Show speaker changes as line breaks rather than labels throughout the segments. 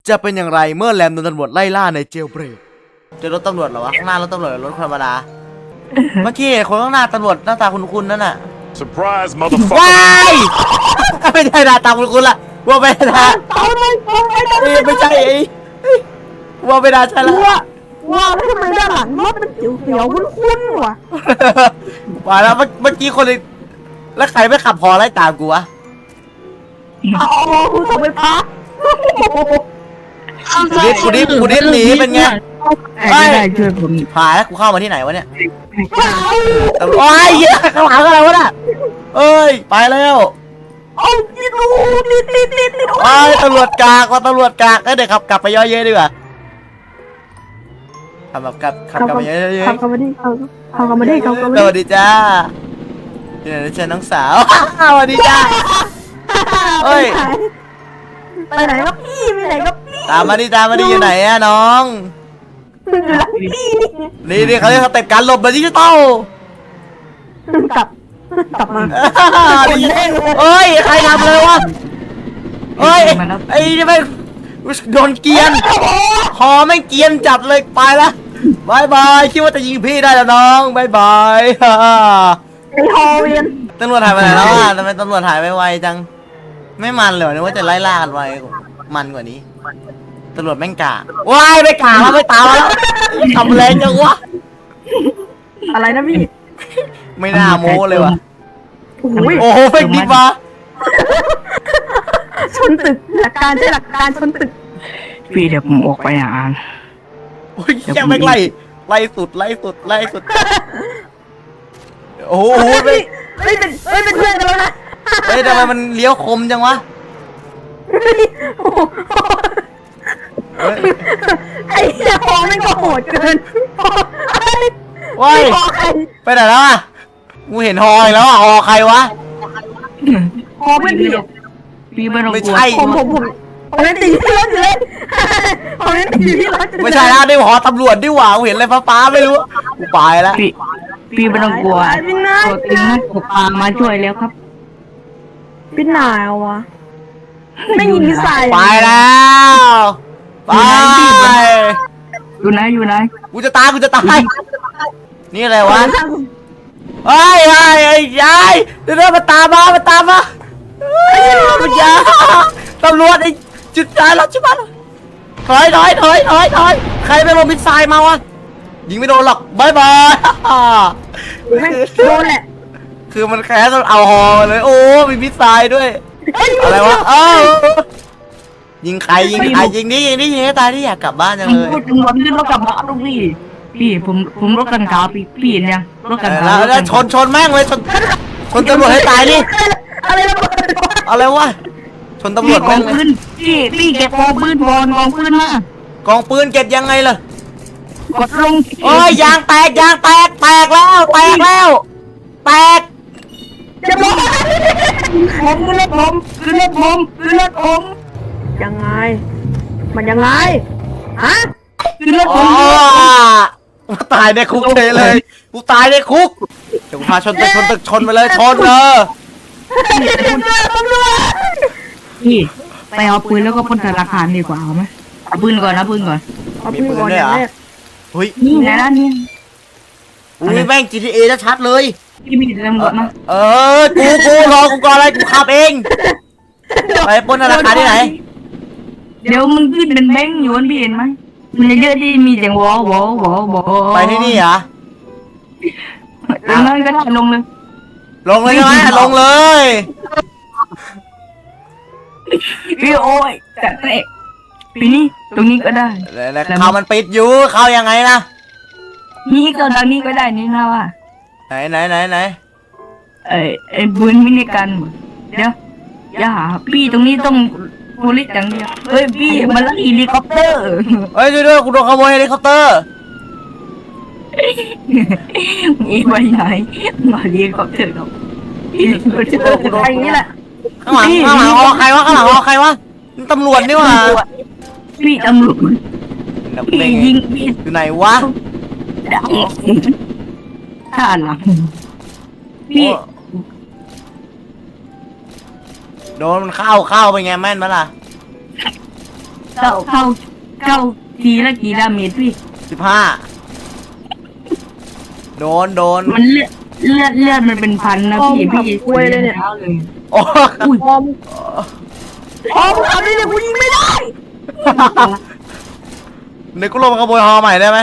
จะเป็นอย่างไรเมื่อแรมโดนตำรวจไล่ล่าในเจลเบรกเจอรถตำรวจเหรอวะข้างหน้ารถตำรวจรถธรรมดาเมื่อกี้คนข้างหน้าตำรวจหน้าตาคุ้นๆนั่นน่ะ
Surprise, motherfucker!
ว้ายไม่ใช่หน้าตาคุ้นๆละว่าไม่ได้ไม่ใช่ว่าไม่ได้ใช่ละ
ว้าวแล้วทำไมด้านหลังรถมันเขียวๆคุ้นๆวะ
ว่าแล้วเมื่อกี้คนแล้วใครไม่ขับพอไล่ตามกูวะ
เอาคุณส่งไปพัก
กูดิบหนีเป็นไง
ไม่ได้ช่วยผม
ผ่านแล้วกูเข้ามาที่ไหนวะเนี่ยโอ้ยเหี้ยข้างหลังอะไรวะน่ะเอ้ยไปแล้ว
เอาดิดูนิด
โอ้ยตำรวจกากว่าตำรวจกากเดี๋ยวขับกลับไปย่อยเยอะดีกว่าขับแบบขับกลับไปย่อยเยอะ
ขับกลับมาดิ
สวัสดีจ้าเดี๋ยวเชิญน้องสาวสวัสดีจ้าเอ้ย
ไปไหนครับพี่ไปไหนครับพี่
ตามมาดิอยู่ไหนอะน้อง
อยู่หลังพี่
นี่เขาเรียกสเต็ปการหลบแบบดิจิตอล
กลับมา
เอ้ยใครทำเลยวะเอ้ยไอ้นี่ไม่โดนเกียนคอไม่เกียนจัดเลยไปละบายบายคิดว่าจะยิงพี่ได้แล้วน้องบายบาย
ไอ้ฮอเวียน
ตำรวจหายไปไหนแล้วอ่ะทำไมตำรวจหายไปไวจังไม่มันเลยนึกว่าจะไล่ล่ากันไวมันกว่านี้ตำรวจแม่งกะว้ายไม่กะแล้วไม่ตามแล้วทำแรงจังวะ
อะไรนะพี่
ไม่น่าโม้เลยวะ
โอ้ย
โอ้โหเฟกดีมา
ชนตึกหลักการใช่หลักการชนตึก
พี่เดี๋ยวผมออกไปอ่าน
โอ้ยแค่ไม่ไล่สุดโอ้โห
ไม่เป็นเพื่อนกันแล้วนะ
เฮ้ยทำไมมันเลี้ยวคมจังวะเฮ้ย
ไอ้เจ้าฮอแม่งก็โหดเกิน
ว้าย
ฮอใคร
ไปไหนแล้วอ่ะกูเห็นฮออีกแล้วอ่ะฮอใครวะ
ฮอเพื่อนพี่
พี่ไม่ต้อง
ไม่
กลัว
ใช่
ผมยังติดอยู่ที่รถอยู่เลยผมยังติดอยู่ที่รถอยู่เลย
ไม่ใช่แล้วนี่ฮอตำรวจดิหว่ากูเห็นอะไรฟ้าๆไม่รู้กูไปแล้ว
พี่ไม่ต้องกลัว
พี่นาย
ตัวตึงให้ผมพามาช่วยแล้วครับ
พี่นายวะไม่ยิงมิสไซล์
ไปแล้วไป
อยู่ไหน
กูจะตายนี่อะไรวะเฮ้ยยายเดี๋ยวมันตามมามันยาตำรวจไอ้จุดยายเราชิบันถอยใครไปลงมิสไซล์มาวะยิงไม่โดนหรอกบายบาย
โดนแหละ
คือมันแค่ต้องเอาฮอมาเลยโอ้มีมิสไซล์ด้วยอะไรวะยิงใครยิงนี่ให้ตายที่อยากกลับบ้านจัง
ผม
เลย
พูดถึงวันที่รถกลับมาลูกพี่ผมรถกันขาวพี่เห็นยังรถกันขาว
แล้วชนแม่งเลยชนตำรวจให้ตายนี่
อะไรระเบิด
อะไรวะชนตำร
พี่
วจ
กอ
แม่
ง
งเลย
ปืนพี่เก็บกองปืนบอลกองปืนมาก
องปืนเก็บยังไงล่ะ
กดลง
โอ้ยยางแตกแล้วแตก
จะบอก
ผมขึ้นรถผม
ยังไงมันยังไงฮะ
ขึ้นรถผ
อ๋อ
ม
กูตายในคุกเลยกูตายในคุกเดี๋ยวกูพาชนตึกไปเลยชนเลย
พี่ไปเอาปืนแล้วก็พ่นธนาคารดีกว่าเอาไหมเอาปืนก่อนนะปืนก่อน
เอาพี่ก่อนอย่างแรก
เฮ้ย
นี่ไงล่ะนี่
อุ้ยแม่ง GTA ชัดเลย
พี่มีตำรวจมา
กูรอกูก่อนอะไรกูขับเองไปปล้นธนาคารที่ไหน
เดี๋ยวมันขึ้นเป็นแบงค์อยู่พี่เห็นไหมมันเยอะที่มีเสียงวอ
ไปที่นี่เหรอ
ตรงนั้นก็ได้ลงเลย
ลงเลยใช่ไหมลงเลย
พี่โอ้ยแต่เตะปีนี้ตรงนี้ก็ได้
แล้วเขามันปิดอยู่เข้ายังไงนะ
นี่ก็ทางนี้ก็ได้นี่นะว่า
ไหน
ไอ้ปืนมินิกันเดี๋ยวอย่าหาพี่ตรงนี้ต้องโพลิสอย่างเดียวเฮ้ยพี่มันลักเฮลิคอปเตอร์
เฮ้ยด้วยกูโดนขโมยเฮลิคอปเตอร์
มีไปไหนมาเฮลิคอปเตอร์ครับพี่ก็เจอ
ไอ้นี่แหละ
ข้างหลังฮอใครวะนี่ตำรวจนี่หว่า
พี่ตำรวจ
นัก
พี่
เลง
ยิงพี่
อยู่ไหนวะ
ดังท่าหลังพี่
โดนมันเข้าไปไงแม่นมั้ยล่ะ
เข้าทีละกี่ดาเมจพี่
15 โดน
มันเลือดมันเป็นพันนะพี่เลย
โอ้
อุ้ย
พอมึงทำได้เลยกูยิงไม่ได้
เดี๋ยวกูลงมาขโมยฮอใหม่ได้ไหม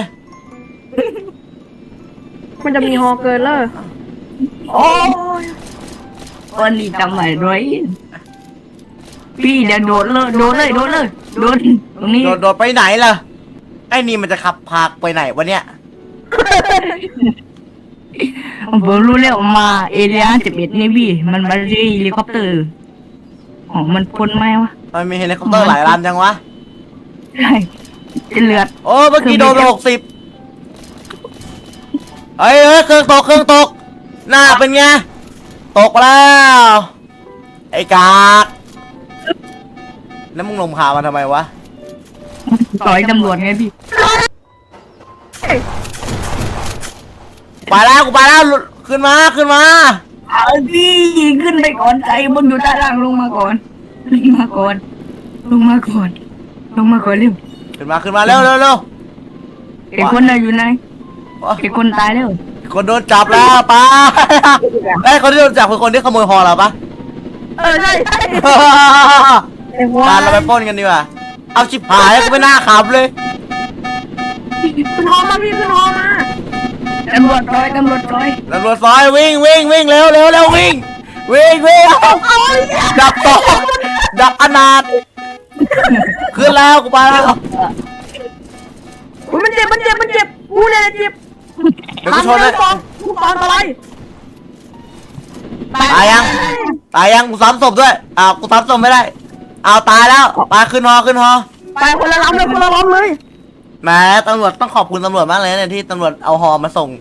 มันจะมีฮอเกินเลย
โอ้ยวันนี้จำไหวด้วยพี่เดี๋ยวโดนเลยโดนตรงนี้
โดดไปไหนล่ะ ไอ้นี่มันจะขับพากไปไหนวะเนี่ย
ผมรู้แล้วมาเอเรีย11นี่พี่มันมาที่เฮลิคอปเตอร์ของมันพ้นไหมวะ
มันมีเฮลิคอปเตอร์หลายลำจังวะ
ใช่เลือด
โอ้เมื่อกี้โดนไป60เฮ้ยเครื่องตกหน้าเป็นไงตกแล้ว ไอ้กากแล้วมึงลงพามันทำไมวะ
ต่อยตำรวจไงพี่
ไปแล้วกูไปแล้วขึ้นมา
เอาพี่ขึ้นไปก่อนใจบนอยู่ด้านล่างลงมาก่อนเร็ว
ขึ้นมาเร็ว
ไอ้คนน่ะอยู่ไหนไอ้คนตายแล้ว
คนโดนจับแล้วไปไอ้คนที่โดนจับคือคนที่ขโมยฮอเราปะ
ใช่ไอ้หัว
การเราไปปล้นกันดีกว่าเอาชิบหายกูไม่น่าขับเลย
ขึ้นฮอมาพี่ขึ้นฮอมา
ตำรวจร้อย
ตำรวจซอยวิ่งเร็ววิ่งดับตกดับอนาถขึ้นแล้วกูไปแล้ว
มันเจ็บกูเนี่ยเจ็บ
เดี๋ยวกูชนเลย
กูตอนอะไร
ตายยังกูซ้ำศพด้วยกูซ้ำศพไม่ได้ตายแล้วไปขึ้นฮอ
ไปคนละลำเลย
แหมตำรวจต้องขอบคุณตำรวจมากเลยเนี่ยที่ตำรวจเอาฮอมาส่ง